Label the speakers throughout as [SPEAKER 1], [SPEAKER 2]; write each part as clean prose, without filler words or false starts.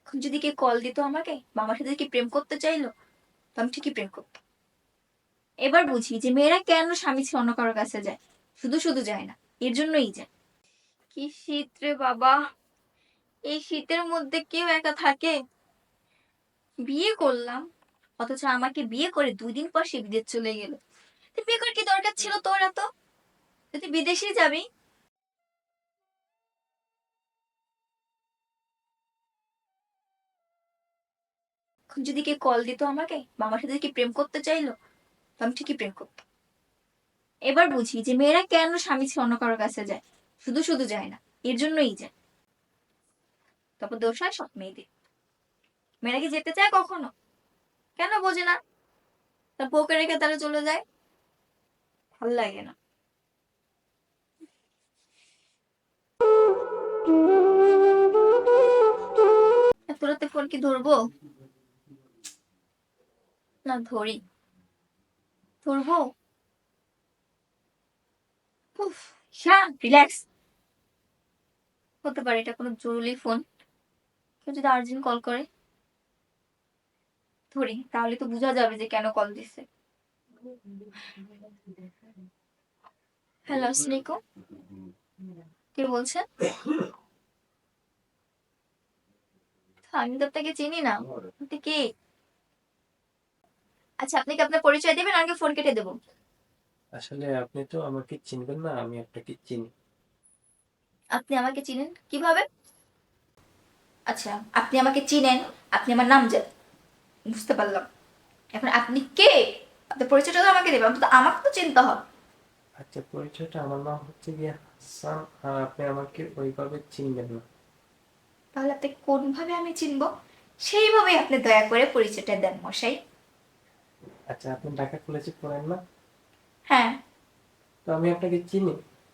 [SPEAKER 1] এখন যদি কে কল দিত আমাকে বা আমার সাথে কি প্রেম করতে চাইলো, তো আমি ঠিকই প্রেম করতাম। এবার বুঝি যে মেয়েরা কেন স্বামী ছেড়ে অন্য কারোর কাছে যায়। শুধু শুধু যায় না, এর জন্যই যায়। কি শীত রে বাবা! এই শীতের মধ্যে কেউ একা থাকে? বিয়ে করলাম, অথচ আমাকে বিয়ে করে 2 দিন পর সে বিদেশ চলে গেল। তুই বিয়ে করার কি দরকার ছিল তোর এত? তুই বিদেশেই যাবি। এখন যদি কে কল দিত আমাকে বা আমার সাথে কি প্রেম করতে চাইলো, তো আমি ঠিকই প্রেম করতাম। এবার বুঝি যে মেয়েরা কেন স্বামী ছেড়ে অন্য কারোর কাছে যায়। শুধু শুধু যায় না, এর জন্যই যায়। তারপর দোষ হয় সব মেয়েদের। মেয়েরা কি যেতে চায় কখনো? কেন বোঝে না? তার বউকে রেখে তারা চলে যায়। ভাল লাগে না। এত রাতে ফোন কি ধরবো? না ধরি। ধরবো। উফ, শান্ত রিল্যাক্স। হতে পারে এটা কোনো জরুরি ফোন। কেউ যদি আর্জেন্ট কল করে। ধরি, তাহলে তো বোঝা যাবে যে কেন কল দিছে। হ্যালো, আসসালামু আলাইকুম। কে বলছেন? আমি তো আপনাকে চিনি না। আপনি কে? আচ্ছা, আপনি কি আপনার পরিচয় দেবেন, আগে ফোন কেটে দেবো?
[SPEAKER 2] আসলে আপনি তো আমাকে চিনবেন না, আমি আপনাকে চিনি।
[SPEAKER 1] আপনি আমাকে চিনেন কিভাবে? আচ্ছা, আপনি আমাকে চিনেন, আপনি আমার নাম জানেন, বুঝতে পারলাম। এখন আপনি কে? আপনার পরিচয়টা তো আমাকে দেবেন, তো আমাকে তো চিনতে হবে।
[SPEAKER 2] আচ্ছা, পরিচয়টা আমার নাম হচ্ছে গিয়ে হাসান, আর আপনি আমাকে ওইভাবে চিনবেন না।
[SPEAKER 1] তাহলে আপনাকে কোনভাবে আমি চিনবো? সেইভাবেই আপনি দয়া করে পরিচয়টা দেন মশাই।
[SPEAKER 2] আচ্ছা, আপনি ঢাকা কলেজে পড়েন না?
[SPEAKER 1] হ্যাঁ।
[SPEAKER 2] তো আমি আপনাকে চিনি।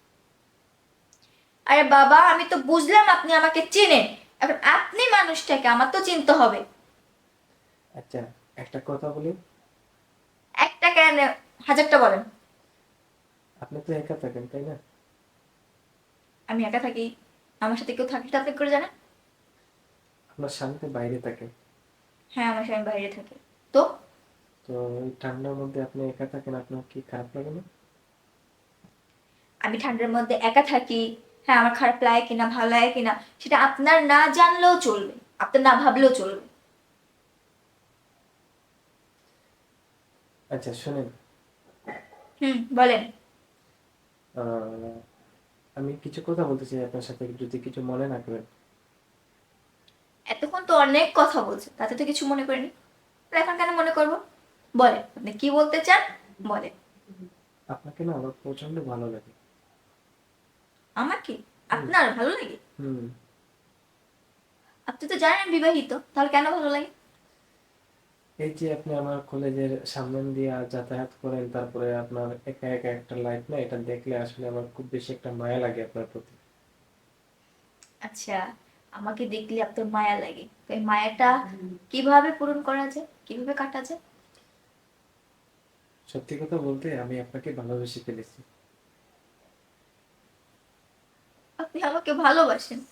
[SPEAKER 1] আরে বাবা, আমি তো বুঝলাম আপনি আমাকে চেনেন। এখন আপনি মানুষটাকে আমার তো চিনতে হবে।
[SPEAKER 2] আচ্ছা, একটা কথা বলি।
[SPEAKER 1] একটা কেন, হাজারটা বলেন।
[SPEAKER 2] আপনি তো একা থাকেন, তাই না?
[SPEAKER 1] আমি একা থাকি? আমার সাথে কেউ থাকলে তো আপনি করে জানেন।
[SPEAKER 2] আপনার স্বামী তো বাইরে থাকে।
[SPEAKER 1] হ্যাঁ, আমার স্বামী বাইরে থাকে। তো
[SPEAKER 2] তো এই ঠান্ডার মধ্যে আপনি একা থাকেন, আপনার কি খারাপ লাগে না?
[SPEAKER 1] আমি ঠান্ডার মধ্যে একা থাকি, হ্যাঁ, আমার খারাপ লাগে কিনা ভালো লাগে কিনা সেটা আপনার না জানলেও চলবে, আপনার না ভাবলেও চলবে।
[SPEAKER 2] আচ্ছা শোনেন,
[SPEAKER 1] হুম, বলেন।
[SPEAKER 2] আহ, আমি কিছু কথা বলতে চাই আপনার সাথে, যদি কিছু মনে না করেন।
[SPEAKER 1] এতক্ষণ তো অনেক কথা বলছে, তাতে তো কিছু মনে করিনি। তাহলে এখন কেন মনে করবো? বলেন, আপনি কি বলতে চান, বলেন।
[SPEAKER 2] আপনাকে না আমার প্রচন্ড ভালো লাগে।
[SPEAKER 1] আমাকে
[SPEAKER 2] হুম।
[SPEAKER 1] আপনার ভালো লাগে?
[SPEAKER 2] হুম।
[SPEAKER 1] আপনি তো জানেন আমি বিবাহিত, তাহলে কেন ভালো লাগে?
[SPEAKER 2] এই যে আপনি আমার কলেজের সামনে দিয়ে যাতায়াত করেন, তারপরে আপনার একা একা একটা লাইফ, না এটা দেখলে আসলে আমার খুব বেশি একটা মায়া লাগে আপনার প্রতি।
[SPEAKER 1] আচ্ছা, আমাকে দেখলে আপনার মায়া লাগে, তো এই মায়াটা কিভাবে পূরণ করা যায়, কিভাবে কাটা যায়?
[SPEAKER 2] সত্যি কথা বলতে আমি আপনাকে ভালোবেসে ফেলেছি।
[SPEAKER 1] আপনি আমাকে ভালোবাসেন?